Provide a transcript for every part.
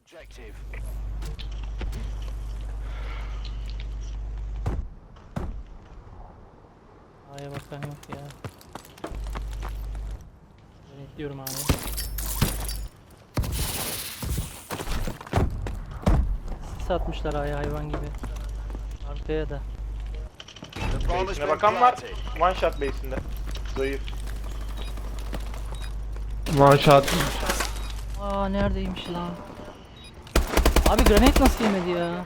objective. A'ya bakan yok ya. Ben ekliyorum abi. Sis atmışlar A'ya hayvan gibi. Arkaya da. The bomb has Base'ine been bakan var. planted. One shot base'inde. Zayıf. One shot. Aa neredeymiş lan? Abi granate nasıl yemedi ya?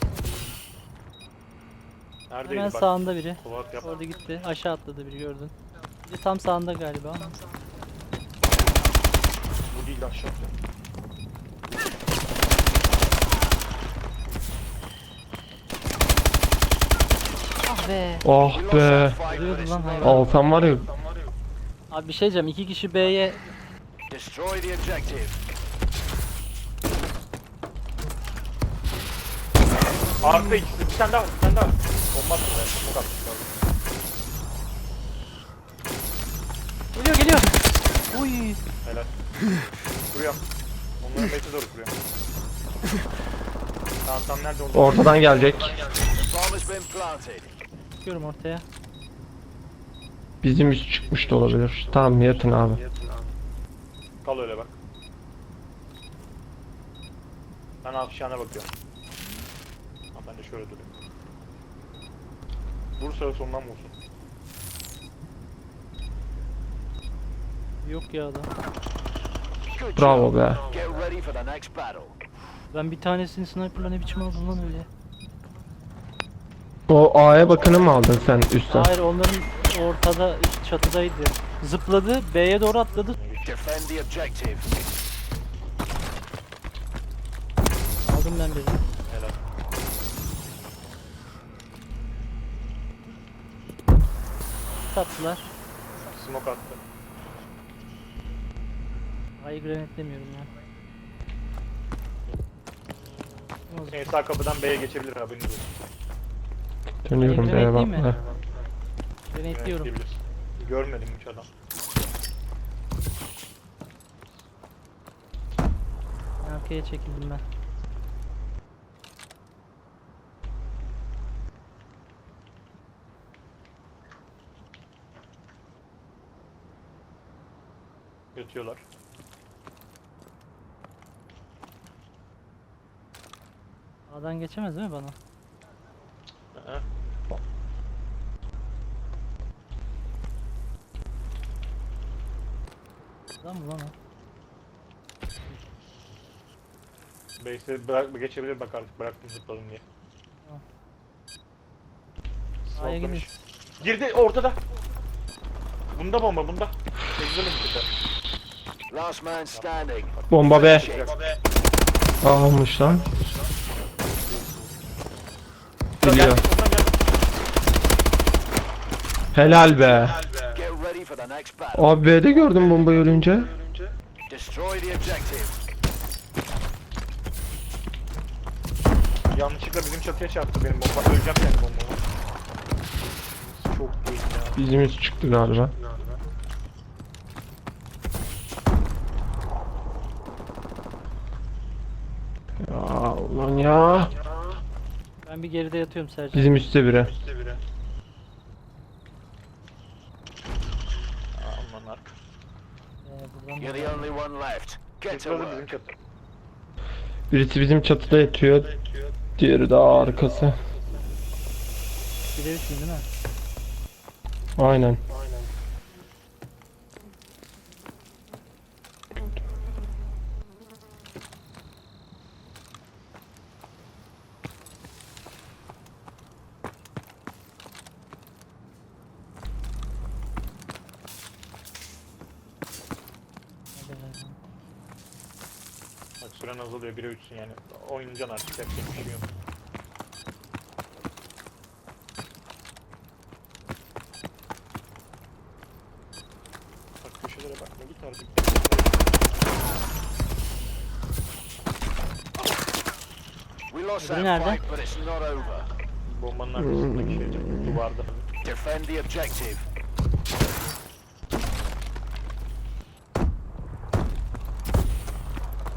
Neredeydi Hemen bak. sağında biri. Kovat yap. Orada gitti. Aşağı atladı biri gördün. Bir de tam sağında galiba ama. Bu değil aşağıda. Ah be. Oh We lost be. that fight, but Vuruyordu it's lan not hayvan. over. Alsam var ya. Abi bir şey diyeceğim. 2 kişi B'ye Destroy the objective. Arka ikisi. Bir tane daha var. Bir tane daha var. Bomba attı be. Smoke atmış. geliyor geliyor. Uy. Helal. Kuruyorum. Onların base'e doğru kuruyorum. Tamam nerede oldu? Ortadan gelecek. The bomb has been planted. Çıkıyorum ortaya. Bizim üst çıkmış da olabilir. Tamam yatın abi. Kal öyle bak. Ben afişana bakıyorum. Ha, ben de şöyle durayım. Bursa sonundan vursun. Yok ya adam. Good Bravo job. be. Get ready for the next battle. Ben bir tanesini sniper'la ne biçim aldım lan öyle. O A'ya bakanı mı aldın sen üstten? Hayır onların ortada çatıdaydı. Zıpladı B'ye doğru atladı. Defend the objective. Aldım ben birini. Helal. Tatlılar. Smoke attı. Ayı granatemiyorum ya. En sağ kapıdan B'ye geçebilir haberiniz olsun. Dönüyorum Ayı B'ye granate değil mi? bakmaya. Granatliyorum. Yönetleyebilir. Görmedim hiç adam. Arkaya çekildim ben. Yatıyorlar. A'dan geçemez değil mi bana? Hı. Lan mı lan o? Base'e bırak geçebilir bak artık bıraktım zıpladım diye. Tamam. A'ya gidin. Smoklamış. Girdi ortada. Bunda bomba bunda. Tekzelim bir de. Last man standing. Bomba B. Shit. Almış lan. Geliyor. Ondan gel. Helal be. Get ready for the next battle. Abi B'de gördüm bombayı ölünce. Destroy the objective. Yanlışlıkla bizim çatıya çarptı benim bomba. Öleceğim yani bombama. Çok iyi ya. Bizim üst çıktı galiba. Ya ulan ya. Ben bir geride yatıyorum Sercan. Bizim üstte biri. Aman arka. Buradan You're the only one left. Get to Zıpladı bizim work. çatı. Birisi bizim çatıda yatıyor. Diğeri daha arkası. bir de üçün değil mi? Aynen. Hadi be. Bak süren azalıyor 1'e 3'sün yani. Oynayacaksın artık yapacak bir şey yok. Bak köşelere bakma git artık. We lost Öbürü that nerede? fight, but it's not over. Bombanın arkasındaki şey duvarda. Defend the objective.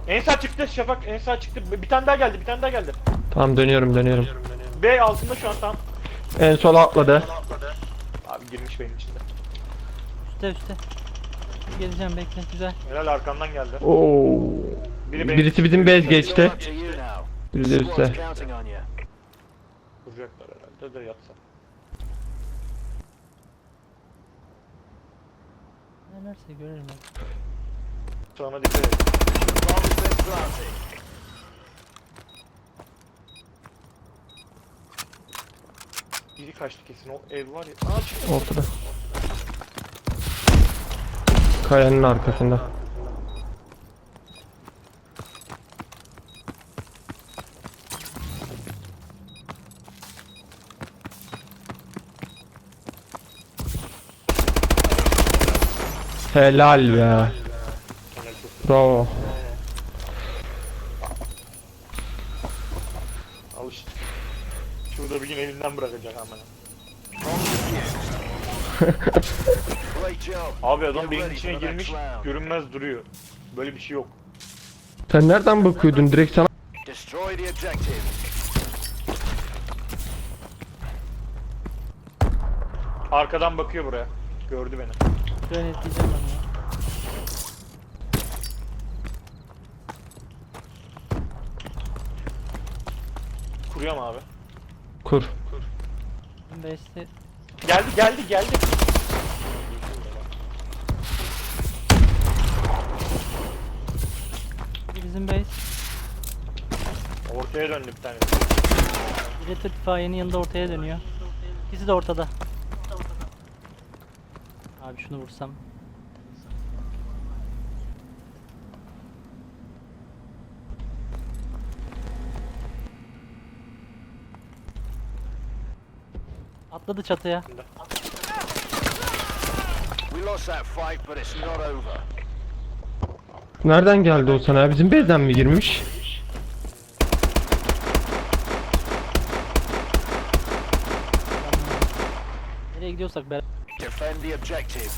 En sağ çıktı Şafak, en sağ çıktı. Bir tane daha geldi, bir tane daha geldi. Tamam dönüyorum. B altında şu an tam. En sola atladı. Abi girmiş benim içinde. Üste. Geleceğim bekle güzel. Helal arkandan geldi. Oo. Birisi bizim bez geçti. Up to you now. Biri de Squad's üstte. counting on you. Vuracaklar herhalde de yatsa. Nelerse görelim abi. Sonra dikkat et. Bomb has been planted. Biri kaçtı kesin, o ev var ya. Aa çıktı. Ortada. Kayanın arkasında. Helal be. Helal çok. Bravo. Al işte. Şurada bir gün elinden bırakacak hemen. Great job. Abi adam Get beyin ready içine for the girmiş, next round. görünmez duruyor. Böyle bir şey yok. Sen nereden bakıyordun? Direkt sana. Destroy the objective. Arkadan bakıyor buraya. Gördü beni. Granetleyeceğim ben ya. Kuruyor mu abi? Kur. Base'te Geldi. bizim base. Ortaya döndü bir tane. Biri itfaiyenin yanında ortaya dönüyor. İkisi de ortada. Abi şunu vursam. Atladı çatıya. We lost that fight, but it's not over. Nereden geldi o sana? Bizim bezden mi girmiş? Nereye gidiyorsak beraber. Defend the objective.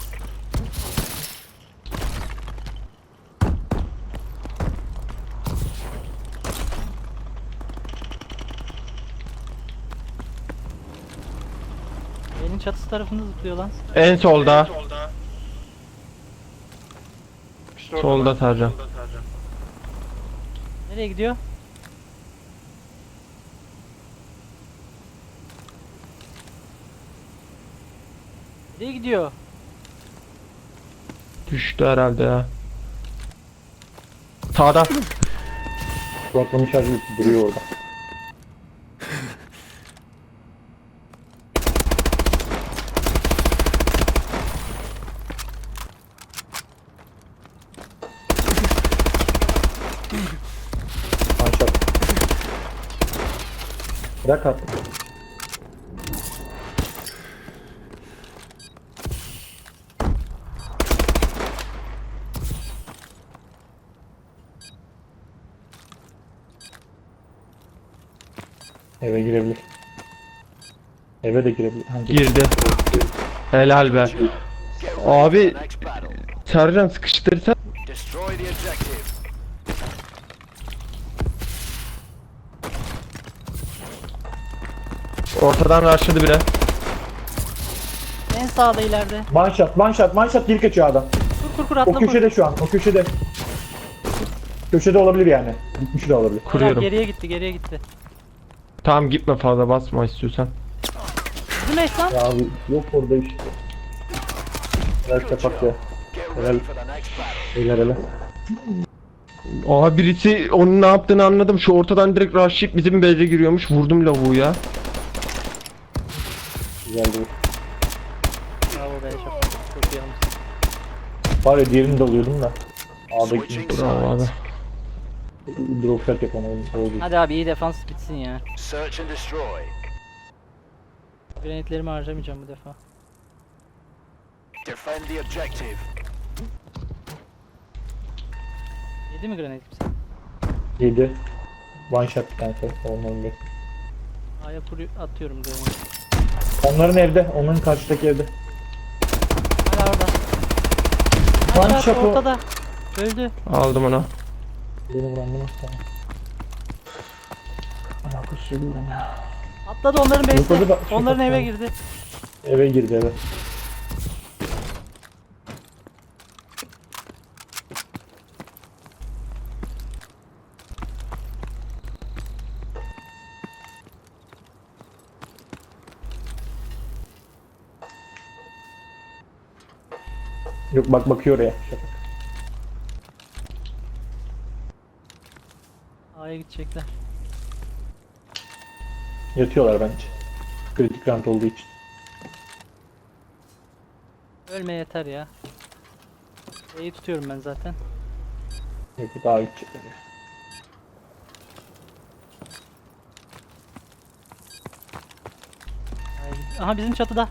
Benim çatısı tarafında zıplıyor lan. En solda. İşte orada Solda bak. Sercan. Nereye gidiyor? Nereye gidiyor? Düştü herhalde ya. Sağda. Kulaklığını şarj edip duruyor orada. Manşat. Bırak artık. Eve girebilir. Eve de girebilir. Hangi? Girdi. Helal be. Get ready Abi- for the next battle. Sercan sıkıştırırsan. Destroy the objective. Ortadan rushladı biri. En sağda ileride. Manşat geri kaçıyor adam. Kur O atla kur. köşede şu an, o köşede. Köşede olabilir yani. Gitmiş de olabilir. Kuruyorum. Geriye gitti. Tamam gitme fazla basma istiyorsan. Bizim eş lan. Ya abi yok orada işte. Helal Good kapak ya. job. Get ready for the next battle. Helal helal. Oha birisi onun ne yaptığını anladım. Şu ortadan direkt rushlayıp bizim base'e giriyormuş. Vurdum lavuğu ya. Güzel değil. Bravo be çok iyi almışsın. Var ya diğerini de alıyordum da. Switching A'daki Bravo abi. sides. drop shot yapamadım. Oldu. Hadi abi iyi defans bitsin ya. Search and destroy. Granitlerimi harcamayacağım bu defa. Defend the objective. Yedi mi granit kimse? 7. One shot bir tanesi. Onların bir. A'ya atıyorum granit. Onların evde. Onların karşıdaki evde. Hala orada. One Hala shot o. ortada. Öldü. Aldım onu. Beni vurandı nasıl tamam. Alakası yok lan ya. Atladı onların Yok, orada base'e. da- Onların eve girdi. Eve girdi eve. Yok bak bakıyor oraya. Şafak. A'ya gidecekler. Yatıyorlar bence. Kritik round olduğu için. Ölme yeter ya. E'yi tutuyorum ben zaten. Yok daha gidecekler ya. Aha bizim çatıda.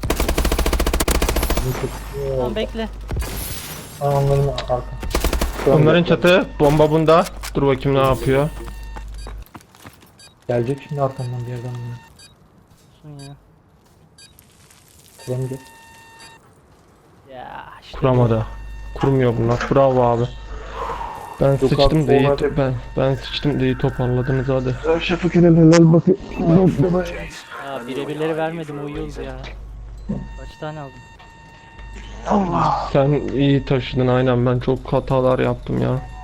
Tamam bekle. Onların arka. Onların çatı bomba bunda. Dur bakayım ne yapıyor. Gelecek şimdi arkamdan bir yerden. Olsun ya. Kuramayacak. Ya işte. Kuramadı. Kurmuyor bunlar. Bravo abi. Ben Yok sıçtım abi, da iyi onlar- ben sıçtım da iyi toparladınız hadi. Şafak helal bakıyor. Ya birebirleri vermedim uyuyoruz ya. Kaç tane aldım? Sen iyi taşıdın aynen ben çok hatalar yaptım ya.